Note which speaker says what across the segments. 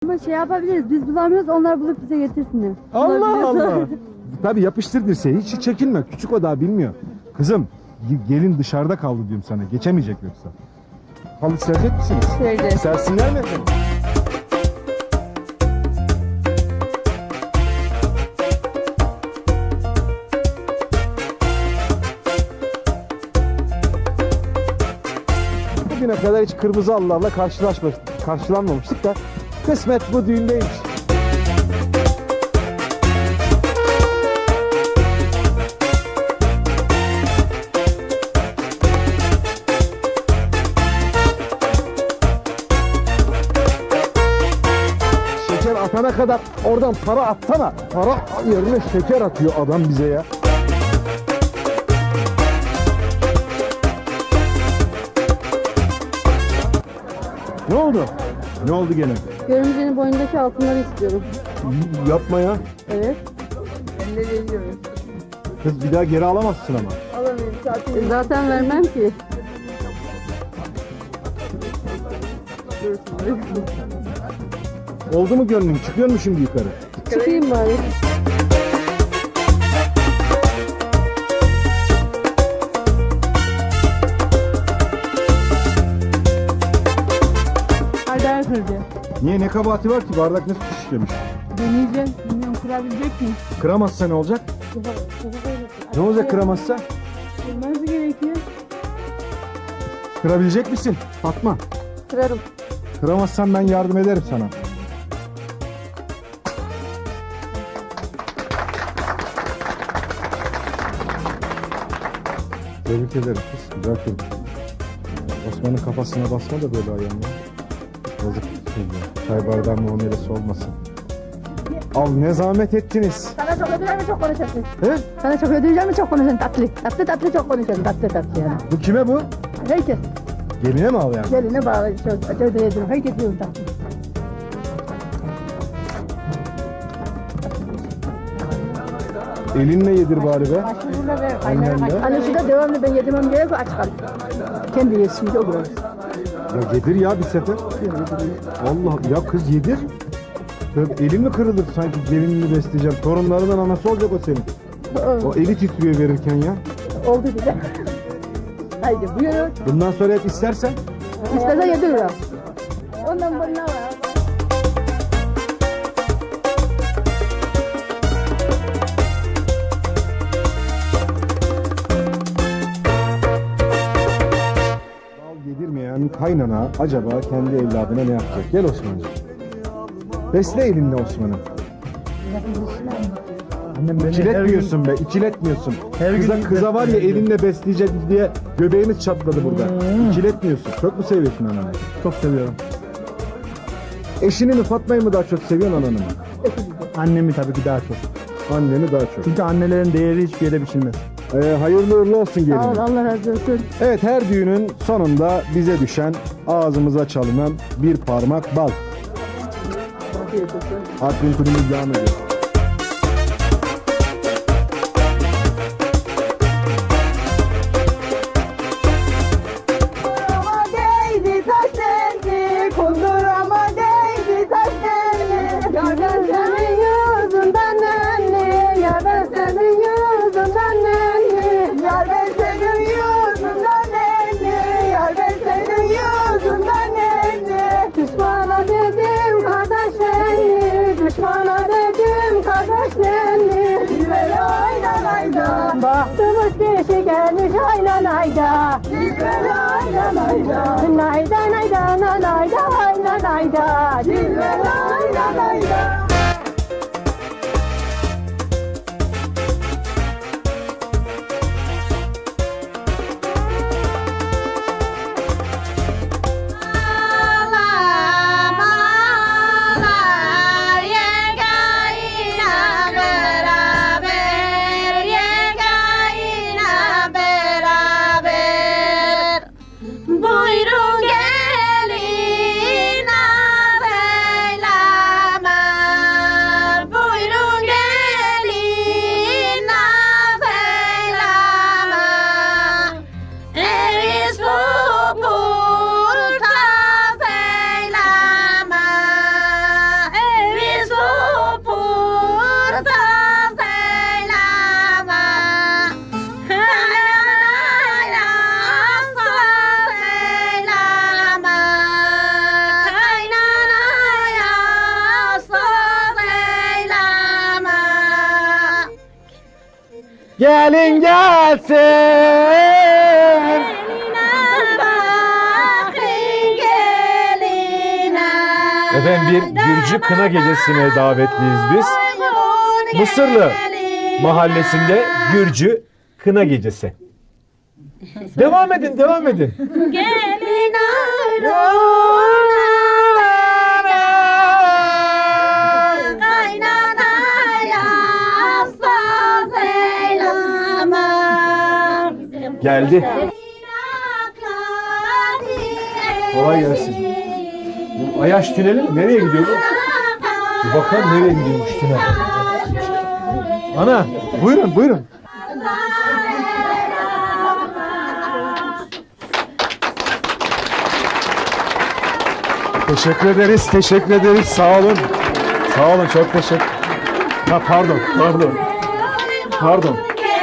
Speaker 1: Ama şey yapabiliriz, biz bulamıyoruz, onlar bulup bize getirsinler.
Speaker 2: Allah Allah. Tabii yapıştır dirseği, hiç çekinme. Küçük o daha bilmiyor. Kızım, gelin dışarıda kaldı diyorum sana. Geçemeyecek yoksa. Halı serecek misiniz?
Speaker 1: Sereceğiz.
Speaker 2: Sersinler mi efendim? Bugüne kadar hiç kırmızı halılarla karşılanmamıştık da kısmet bu düğündeymiş. Şeker atana kadar oradan para atsana. Para yerine şeker atıyor adam bize ya. Ne oldu? Ne oldu gene?
Speaker 1: Görümcenin boynundaki altınları istiyorum.
Speaker 2: Yapma ya.
Speaker 1: Evet. Elleri veriyorum.
Speaker 2: Kız bir daha geri alamazsın ama.
Speaker 1: Alamıyorum zaten vermem ki.
Speaker 2: Oldu mu gönlün? Çıkıyor mu şimdi yukarı?
Speaker 1: Çıkayım bari. Bardağı kırdı.
Speaker 2: Niye? Ne kabahati var ki? Bardak nasıl şişlemiş?
Speaker 1: Deneyeceğim. Bilmiyorum kırabilecek miyim?
Speaker 2: Kıramazsa ne olacak? Ne olacak kıramazsa?
Speaker 1: Kırması gerekiyor.
Speaker 2: Kırabilecek misin? Fatma.
Speaker 1: Kırarım.
Speaker 2: Kıramazsan ben yardım ederim sana. Tebrik ederim kız. Güzel kırmış. Osman'ın kafasına basma da böyle ayağını. Yazık şimdi. Çay bardağı muamelesi olmasın. Al ne zahmet ettiniz.
Speaker 1: Sana çok ödeyeceğim mi çok konuşacaksın?
Speaker 2: He?
Speaker 1: Sana çok ödeyeceğim mi çok konuşacaksın? Tatlı çok konuşacaksın. Tatlı yani.
Speaker 2: Bu kime bu?
Speaker 1: Herkes.
Speaker 2: Geline mi al yani?
Speaker 1: Geline bağlı. Çok ödeyeceğim. Herkes yiyor tatlı.
Speaker 2: Elinle yedir bari be. Annenle.
Speaker 1: Hani şurada devamlı ben yedirmem gerek aç kal. Kendi yesin o biraz.
Speaker 2: Ya yedir ya bir sefer. Allah ya kız yedir. Ya elin mi kırılır sanki gelinini besleyeceğim. Torunlarından anası olacak o senin. O eli titriyor verirken ya.
Speaker 1: Oldu bile. Haydi buyurun.
Speaker 2: Bundan sonra hep istersen.
Speaker 1: İstersen yediririm. Ondan bundan var.
Speaker 2: Bal yedirmeyen kaynana acaba kendi evladına ne yapacak? Gel Osman'cığım. Besle elinle Osman'ı.
Speaker 3: Annem beni
Speaker 2: İkiletmiyorsun be, ikiletmiyorsun. Kıza var ya elinle besleyecek diye göbeğimiz çatladı burada. İkiletmiyorsun. Çok mu seviyorsun ananı?
Speaker 3: çok seviyorum.
Speaker 2: Eşini mi Fatma'yı mı daha çok seviyorsun ananı mı?
Speaker 3: Annemi tabii ki daha çok.
Speaker 2: Anneni daha çok.
Speaker 3: Çünkü annelerin değeri hiçbir yere biçilmez.
Speaker 2: Hayırlı uğurlu olsun gelin.
Speaker 1: Sağ ol, Allah razı olsun.
Speaker 2: Evet, her düğünün sonunda bize düşen ağzımıza çalınan bir parmak bal.
Speaker 1: Afiyet olsun.
Speaker 2: Admin kulübümüz devam ediyor.
Speaker 1: Bahtımız kişi gelmiş ayla nayda. Ayla nayda. Nayda nayda nayda ayla nayda. Ayla nayda.
Speaker 4: Buyurun gelin ağabeyler.
Speaker 2: Gelin gelsin. Efendim bir Gürcü kına gecesine davetliyiz biz. Mısırlı mahallesinde Gürcü kına gecesi. Devam edin, devam edin.
Speaker 4: Gelin
Speaker 2: Geldi. Kolay gelsin. Bu Ayaş tüneli mi? Nereye gidiyor bu? Bir bakalım nereye gidiyormuş tünel. Ana, buyurun, buyurun. Teşekkür ederiz, teşekkür ederiz. Sağ olun. Sağ olun, çok teşekkür. Ha pardon, pardon. Pardon.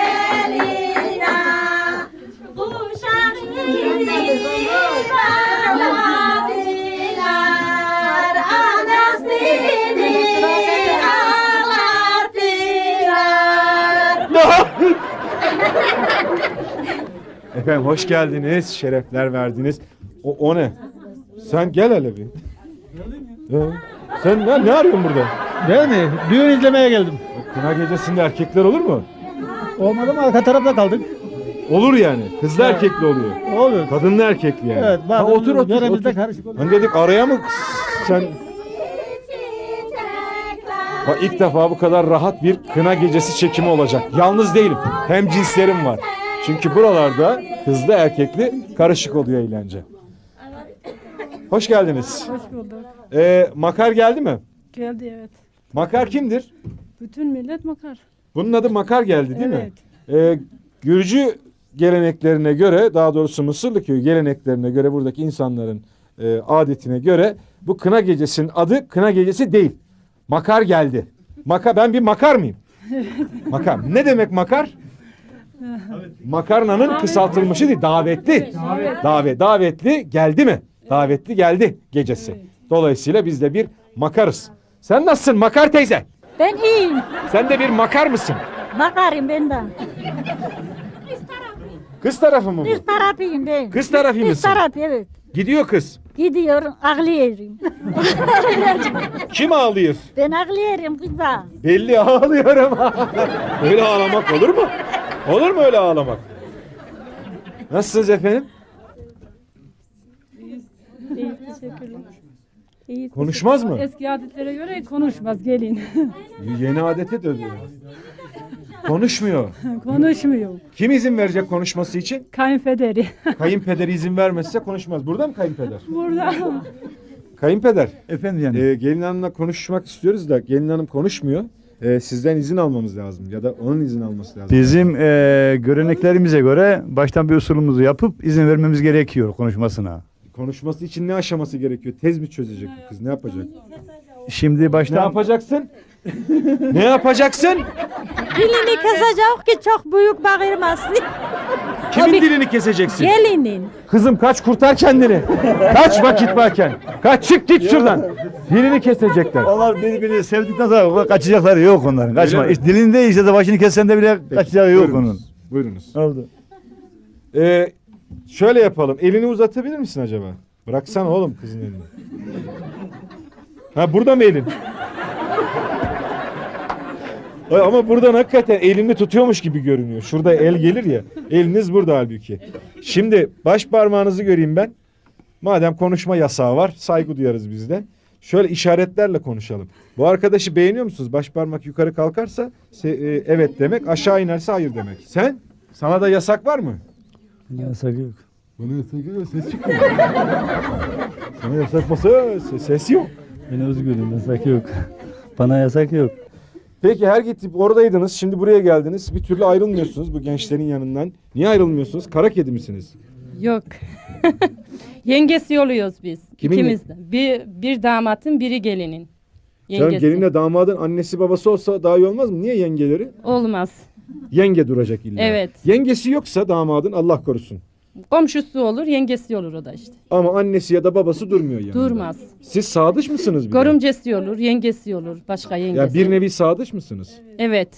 Speaker 2: Efendim hoş geldiniz, şerefler verdiniz. O ne? Sen gel hele bir. Sen ne arıyorsun burada?
Speaker 3: Değil mi? Düğün izlemeye geldim.
Speaker 2: Kına gecesinde erkekler olur mu?
Speaker 3: Olmadı mı arka tarafta kaldık.
Speaker 2: Olur yani. Kızlı erkekli oluyor.
Speaker 3: Olur.
Speaker 2: Kadınlı erkekli yani.
Speaker 3: Evet.
Speaker 2: Ha, otur otur.
Speaker 3: Yöremizde
Speaker 2: Otur.
Speaker 3: karışık olur.
Speaker 2: Hani dedik araya mı sen... Bak ilk defa bu kadar rahat bir kına gecesi çekimi olacak. Yalnız değilim. Hem cinslerim var. Çünkü buralarda kızlı erkekli karışık oluyor eğlence. Hoş geldiniz.
Speaker 5: Hoş bulduk.
Speaker 2: Makar geldi mi?
Speaker 5: Geldi evet.
Speaker 2: Makar kimdir?
Speaker 5: Bütün millet makar.
Speaker 2: Bunun adı Makar geldi değil mi?
Speaker 5: Evet.
Speaker 2: Gürcü geleneklerine göre, daha doğrusu Mısırlı köy geleneklerine göre, buradaki insanların adetine göre bu kına gecesinin adı kına gecesi değil. Makar geldi. Ben bir makar mıyım? Makar. Ne demek makar? Makarnanın kısaltılmışı değil, davetli. Davetli geldi mi? Davetli geldi gecesi. Dolayısıyla biz de bir makarız. Sen nasılsın Makar teyze?
Speaker 4: Ben iyiyim.
Speaker 2: Sen de bir makar mısın?
Speaker 4: Bakarım ben de.
Speaker 2: Kız tarafı mı bu?
Speaker 4: Kız tarafıyım ben.
Speaker 2: Kız tarafı
Speaker 4: Kız
Speaker 2: mısın?
Speaker 4: tarafı evet.
Speaker 2: Gidiyor kız.
Speaker 4: Gidiyorum ağlıyorum.
Speaker 2: Kim ağlıyor?
Speaker 4: Ben ağlıyorum kıza.
Speaker 2: Belli ağlıyorum. Öyle ağlamak olur mu? Olur mu öyle ağlamak? Nasılsınız efendim?
Speaker 5: İyi teşekkürler. İyi,
Speaker 2: Konuşmaz mı?
Speaker 5: Eski adetlere göre konuşmaz gelin.
Speaker 2: Yeni adete döndü. Konuşmuyor.
Speaker 5: Konuşmuyor.
Speaker 2: Kim izin verecek konuşması için?
Speaker 5: Kayınpederi.
Speaker 2: Kayınpederi izin vermezse konuşmaz. Burada mı kayınpeder?
Speaker 5: Burada.
Speaker 2: Kayınpeder.
Speaker 3: Efendim yani.
Speaker 2: Gelin hanımla konuşmak istiyoruz da gelin hanım konuşmuyor. Sizden izin almamız lazım ya da onun izin alması lazım.
Speaker 6: Bizim göreneklerimize göre baştan bir usulümüzü yapıp izin vermemiz gerekiyor konuşmasına.
Speaker 2: Konuşması için ne aşaması gerekiyor? Tez mi çözecek bu kız? Ne yapacak?
Speaker 6: Şimdi
Speaker 2: Ne
Speaker 6: baştan
Speaker 2: yapacaksın? Ne yapacaksın?
Speaker 4: Dilini kesecek ki çok büyük bağırmasın.
Speaker 2: Kimin dilini keseceksin?
Speaker 4: Gelinin.
Speaker 2: Kızım kaç, kurtar kendini. Kaç vakit varken. Kaç, çık git şuradan. Dilini kesecekler.
Speaker 6: onlar birbirini sevdikten sonra kaçacakları yok onların. Kaçma.
Speaker 2: mi?
Speaker 6: İşte dilinde işte de başını kessen de bile kaçacağı yok onun.
Speaker 2: Buyurunuz.
Speaker 6: Oldu.
Speaker 2: Şöyle yapalım. Elini uzatabilir misin acaba? Bıraksana oğlum kızın elini. Ha burada mı elin? Ay, ama buradan hakikaten elini tutuyormuş gibi görünüyor. Şurada el gelir ya. Eliniz burada halbuki. Şimdi baş parmağınızı göreyim ben. Madem konuşma yasağı var, saygı duyarız biz de. Şöyle işaretlerle konuşalım. Bu arkadaşı beğeniyor musunuz? Baş parmak yukarı kalkarsa evet demek, aşağı inerse hayır demek. Sen? Sana da yasak var mı?
Speaker 6: Yasak yok.
Speaker 2: Bana yasak yok, ses çıkmıyor. Sana yasak masa ses yok.
Speaker 6: Ben özgürüm, yasak yok. Bana yasak yok.
Speaker 2: Peki her gidip oradaydınız, şimdi buraya geldiniz. Bir türlü ayrılmıyorsunuz bu gençlerin yanından. Niye ayrılmıyorsunuz? Kara kedi misiniz?
Speaker 7: Yok. Yengesi oluyoruz biz.
Speaker 2: Kimin
Speaker 7: İkimiz de. Bir damatın, biri gelinin.
Speaker 2: Canım
Speaker 7: Yengesi.
Speaker 2: gelinle damadın annesi babası olsa daha iyi olmaz mı? Niye yengeleri?
Speaker 7: Olmaz.
Speaker 2: Yenge duracak illa.
Speaker 7: Evet.
Speaker 2: Yengesi yoksa damadın Allah korusun.
Speaker 7: Komşusu olur, yengesi olur o da işte.
Speaker 2: Ama annesi ya da babası durmuyor yani.
Speaker 7: Durmaz.
Speaker 2: Siz sadıç mısınız bir de?
Speaker 7: Görümcesi olur, yengesi olur, başka yengesi.
Speaker 2: Ya bir nevi sadıç mısınız?
Speaker 7: Evet.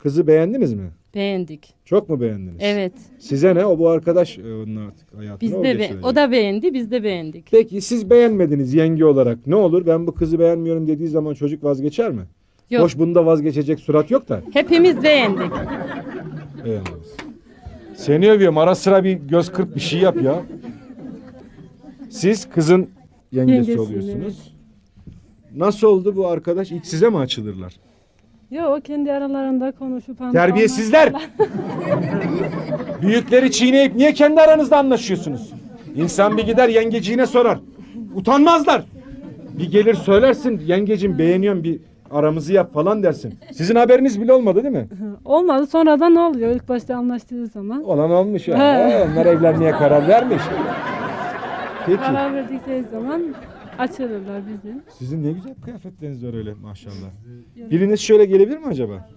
Speaker 2: Kızı beğendiniz mi?
Speaker 7: Beğendik.
Speaker 2: Çok mu beğendiniz?
Speaker 7: Evet.
Speaker 2: Size ne? O bu arkadaş onun artık hayatına
Speaker 7: Biz
Speaker 2: o
Speaker 7: de
Speaker 2: geçirecek.
Speaker 7: o da beğendi, biz de beğendik.
Speaker 2: Peki siz beğenmediniz yenge olarak. Ne olur ben bu kızı beğenmiyorum dediği zaman çocuk vazgeçer mi?
Speaker 7: Yok.
Speaker 2: Hoş bunda vazgeçecek surat yok da.
Speaker 7: Hepimiz beğendik.
Speaker 2: Beğendiniz. Seni övüyorum. Ara sıra bir göz kırp bir şey yap ya. Siz kızın yengesi
Speaker 5: Yengesiyim,
Speaker 2: oluyorsunuz. Nasıl oldu bu arkadaş? İlk size mi açılırlar?
Speaker 5: Yok o kendi aralarında konuşup
Speaker 2: Terbiyesizler! Büyükleri çiğneyip niye kendi aranızda anlaşıyorsunuz? İnsan bir gider yengeciğine sorar. Utanmazlar. Bir gelir söylersin yengecim beğeniyorum bir aramızı yap falan dersin. Sizin haberiniz bile olmadı değil mi?
Speaker 5: Olmadı sonradan ne oluyor ilk başta anlaştığı zaman.
Speaker 2: Olan olmuş ya.
Speaker 5: He.
Speaker 2: Onlar evlenmeye karar vermiş. Peki.
Speaker 5: Karar verdikleri zaman açılırlar bizim.
Speaker 2: Sizin ne güzel kıyafetleriniz var öyle maşallah. Biriniz şöyle gelebilir mi acaba?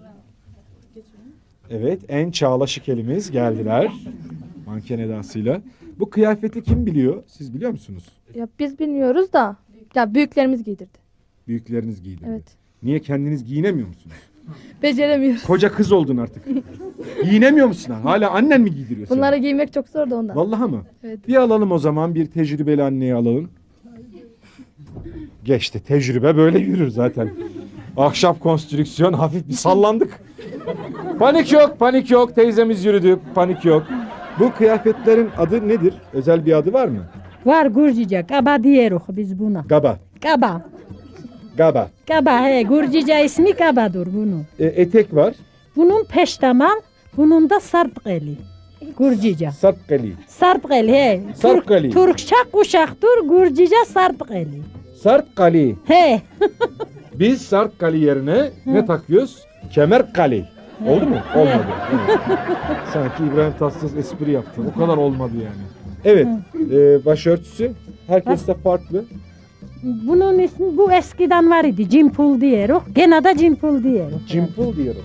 Speaker 2: Evet en çağlaşık elimiz geldiler. Manken edasıyla. Bu kıyafeti kim biliyor? Siz biliyor musunuz?
Speaker 8: Ya biz bilmiyoruz da ya büyüklerimiz giydirdi.
Speaker 2: Büyükleriniz giydi.
Speaker 8: Evet.
Speaker 2: Niye kendiniz giyinemiyor musunuz?
Speaker 8: Beceremiyoruz.
Speaker 2: Koca kız oldun artık. Giyinemiyor musun? Hala annen mi giydiriyor seni?
Speaker 8: Bunları giymek çok zor da ondan.
Speaker 2: Vallahi mı?
Speaker 8: Evet.
Speaker 2: Bir alalım o zaman bir tecrübeli anneyi alalım. Geçti. Tecrübe böyle yürür zaten. Ahşap konstrüksiyon hafif bir sallandık. Panik yok, panik yok. Teyzemiz yürüdü. Panik yok. Bu kıyafetlerin adı nedir? Özel bir adı var mı?
Speaker 4: Var Gürcice, kaba diyoruz biz buna.
Speaker 2: Gaba.
Speaker 4: Kaba.
Speaker 2: Gaba.
Speaker 4: Kaba he, Gürcice ismi kabadır bunun.
Speaker 2: Etek var.
Speaker 4: Bunun peştemal, bunun da sarpkeli. Gürcice.
Speaker 2: Sarpkali.
Speaker 4: Sarpkeli he.
Speaker 2: Sarpkeli.
Speaker 4: Türkçe kuşaktır, Gürcice sarpkeli.
Speaker 2: Sarpkali.
Speaker 4: He.
Speaker 2: Biz Sarpkali yerine ne takıyoruz? Kemerkali. Oldu mu? Olmadı. Evet. Sanki İbrahim Tatlıses espri yaptı. O kadar olmadı yani. Evet. Başörtüsü herkeste farklı.
Speaker 4: Bunun ismi bu eskiden var idi. Cimpul diyoruz. Gene de cimpul diyoruz.
Speaker 2: Cimpul diyorum.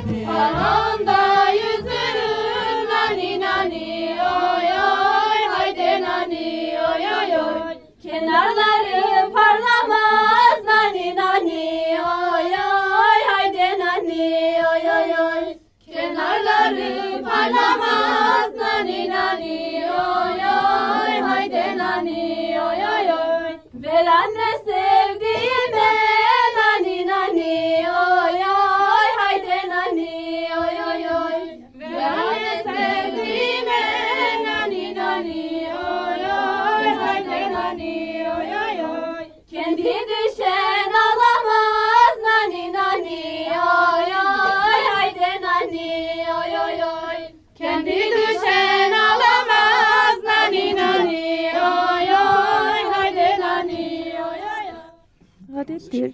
Speaker 9: Anamda yüzürüm nani nani oy oy haydi nani oy oy oy. Kenarları parlamaz nani nani oy oy haydi nani oy oy oy. Kenarları parlamaz nani nani oy oy haydi nani oy oy oy. Ver anne sevdiğime nani nani oy oy haydi nani oy oy oy. Ver anne sevdiğime nani nani oy oy haydi nani oy oy oy. Kendi düşen alamaz nani nani oy oy haydi nani oy oy oy. Kendi düşen alamaz nani nani oy oy haydi nani oy oy.
Speaker 8: Adettir.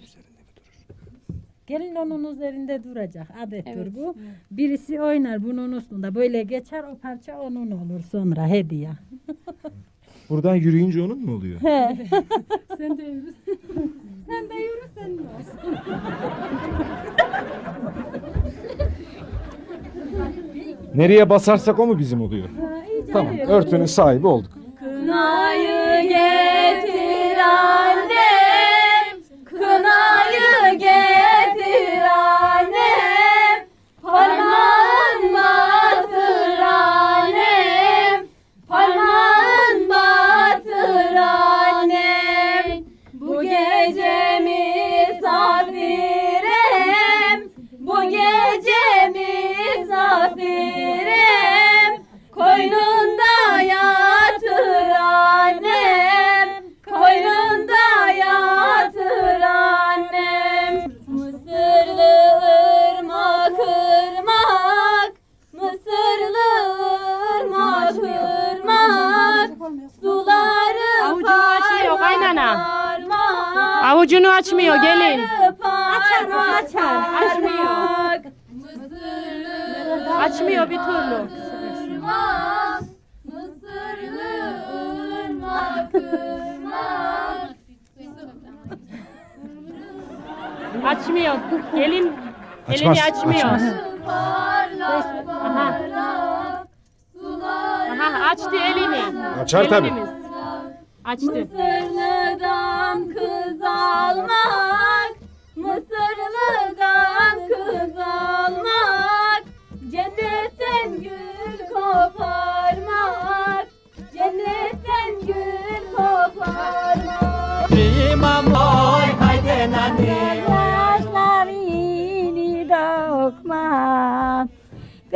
Speaker 4: Gelin onun üzerinde duracak. Adettir bu. Birisi oynar bunun üstünde. Böyle geçer o parça onun olur sonra hediye.
Speaker 2: Buradan yürüyünce onun mu oluyor?
Speaker 5: Sen de yürü.
Speaker 4: Sen de yürü sen de olsun.
Speaker 2: Nereye basarsak o mu bizim oluyor? Tamam. Örtünün sahibi olduk.
Speaker 9: Kınayı getir annem, kınayı getir annem, parmağın batır annem, parmağın batır annem. Bu gece misafirim, bu gece misafirim, koynunda yatır annem, koynunda yatır annem. Mısırlı ırmak ırmak, Mısırlı ırmak ırmak, suları
Speaker 7: Avucunu açmıyor kaynana.
Speaker 9: parmak,
Speaker 7: Avucunu açmıyor gelin.
Speaker 9: açar mı açar?
Speaker 7: Açmıyor.
Speaker 9: Mısırlı
Speaker 7: Açmıyor bir türlü.
Speaker 9: ırmak, Mısırlı ırmak ırmak.
Speaker 7: Açmıyor. Gelin
Speaker 2: Açmaz,
Speaker 7: elini açmıyor.
Speaker 2: açmaz.
Speaker 9: Parlak parlak suları
Speaker 7: Aha açtı elini.
Speaker 2: Açar tabii.
Speaker 7: Gelinimiz. Açtı.
Speaker 9: Mısırlı'dan kız almak, Mısırlı'dan kız almak.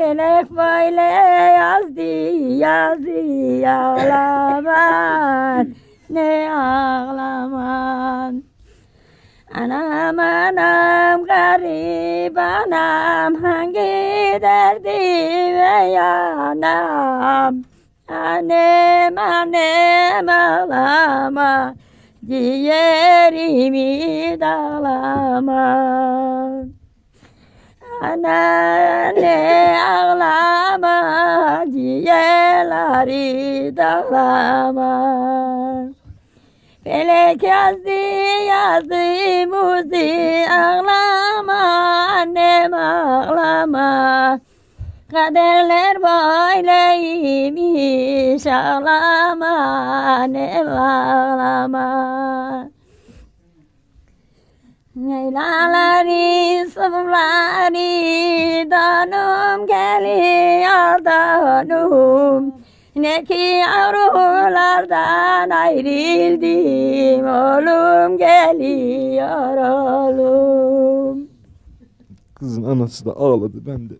Speaker 4: Felek böyle yazdı ağlaman ne ağlaman. Anam anam garip anam hangi derdime yanam. Annem annem ağlama ciğerimi dağlama. Anne ağlama ciğerleri dağlama. Felek yazdı muzi ağlama annem ağlama. Kaderler böyleymiş ağlama annem ağlama. Leylaları sıvları danım geliyor danım. Ne ki yavrulardan ayrıldım oğlum geliyor oğlum.
Speaker 2: Kızın anası da ağladı, ben de.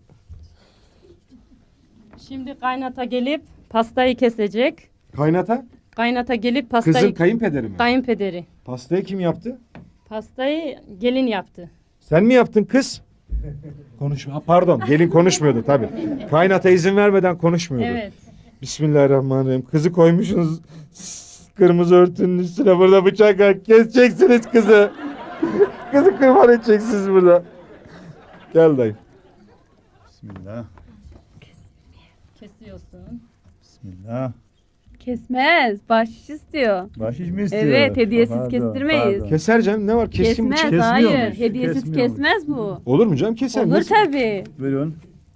Speaker 7: Şimdi kaynata gelip pastayı kesecek.
Speaker 2: Kaynata?
Speaker 7: Kaynata gelip pastayı...
Speaker 2: Kızın kayınpederi mi?
Speaker 7: Kayınpederi.
Speaker 2: Pastayı kim yaptı?
Speaker 7: Pastayı gelin yaptı.
Speaker 2: Sen mi yaptın kız? Konuşma. Pardon, gelin konuşmuyordu tabii. Kaynata izin vermeden konuşmuyordu.
Speaker 7: Evet.
Speaker 2: Bismillahirrahmanirrahim. Kızı koymuşsunuz kırmızı örtünün üstüne, burada bıçak var. Keseceksiniz kızı. Kızı kurban edeceksiniz burada. Gel dayı.
Speaker 6: Bismillah.
Speaker 7: Kesiyorsun.
Speaker 6: Bismillah.
Speaker 9: Kesmez. Bahşiş istiyor.
Speaker 6: Bahşiş mi istiyor?
Speaker 9: Evet, hediyesiz
Speaker 6: Pardon,
Speaker 9: kestirmeyiz.
Speaker 6: pardon.
Speaker 2: Keser canım, ne var? Keskin
Speaker 9: Kesmez.
Speaker 2: bıçak.
Speaker 6: Kesmiyormuş,
Speaker 9: Hayır. Hediyesiz
Speaker 6: kesmiyormuş.
Speaker 9: kesmez bu.
Speaker 2: Olur mu canım? Keser.
Speaker 9: Olur
Speaker 2: Nasıl?
Speaker 9: tabii.
Speaker 6: Buyurun.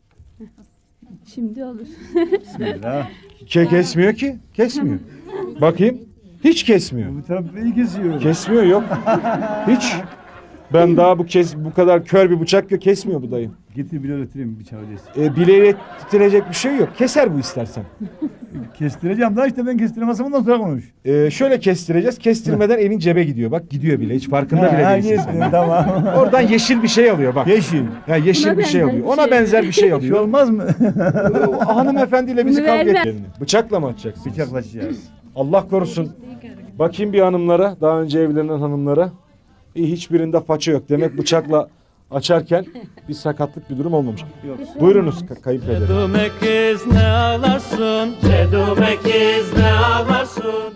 Speaker 9: Şimdi olur.
Speaker 6: Bismillah.
Speaker 2: Kesmiyor ki. Kesmiyor. Bakayım. Hiç kesmiyor.
Speaker 6: Bu taraf iyi kesiyor.
Speaker 2: Kesmiyor, yok. Hiç. Ben daha bu kadar kör bir bıçak kesmiyor bu dayı.
Speaker 6: Getir bile öğretireyim bıçağı öyleyse.
Speaker 2: Bileğiyle titirecek bir şey yok. Keser bu istersen.
Speaker 6: Kestireceğim daha işte ben kestiremezsem ondan sonra konuş.
Speaker 2: Şöyle kestireceğiz. Kestirmeden elin cebe gidiyor. Bak gidiyor bile. Hiç farkında bile değilsin
Speaker 6: Geçti,
Speaker 2: sen.
Speaker 6: tamam.
Speaker 2: Oradan yeşil bir şey alıyor bak.
Speaker 6: Yeşil.
Speaker 2: Ya yeşil
Speaker 9: Buna
Speaker 2: bir şey
Speaker 9: benzer
Speaker 2: alıyor.
Speaker 9: bir
Speaker 2: Ona
Speaker 9: şey.
Speaker 2: benzer bir şey
Speaker 6: Bir şey
Speaker 2: alıyor.
Speaker 6: olmaz mı?
Speaker 2: Hanımefendiyle bizi
Speaker 9: Bunu
Speaker 2: kavga
Speaker 9: verme.
Speaker 2: ettiğini. Bıçakla mı atacaksın?
Speaker 6: Bıçaklaşacağız.
Speaker 2: Allah korusun. Bakayım bir hanımlara, daha önce evlenen hanımlara. Hiçbirinde faça yok. Demek bıçakla açarken bir sakatlık, bir durum olmamış. Buyurunuz kayınpeder.
Speaker 10: Cedume kız ne ağlarsın? Cedume kız ne ağlarsın?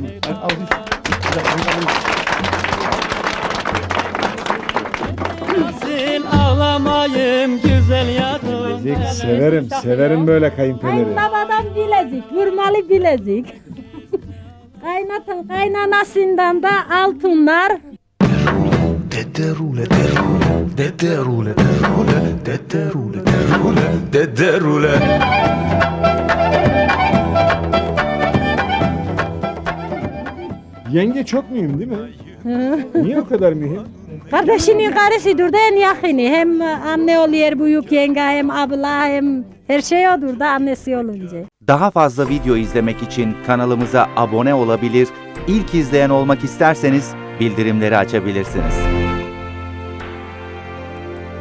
Speaker 10: Sil ağlamayım güzel yadım.
Speaker 2: Bilezik severim, severim böyle kayınpederi.
Speaker 4: Kayınbabadan bilezik, vurmalı bilezik. Kaynatın kaynanasından da altınlar.
Speaker 10: Deterule derule, deterule derule, deterule derule, deterule.
Speaker 2: Yenge çok mühim değil mi? Niye o kadar mühim?
Speaker 4: Kardeşinin karısıdır da en yakını. Hem anne oluyor büyük yenge, hem abla, hem her şey odur da annesi olunca.
Speaker 11: Daha fazla video izlemek için kanalımıza abone olabilir, ilk izleyen olmak isterseniz bildirimleri açabilirsiniz.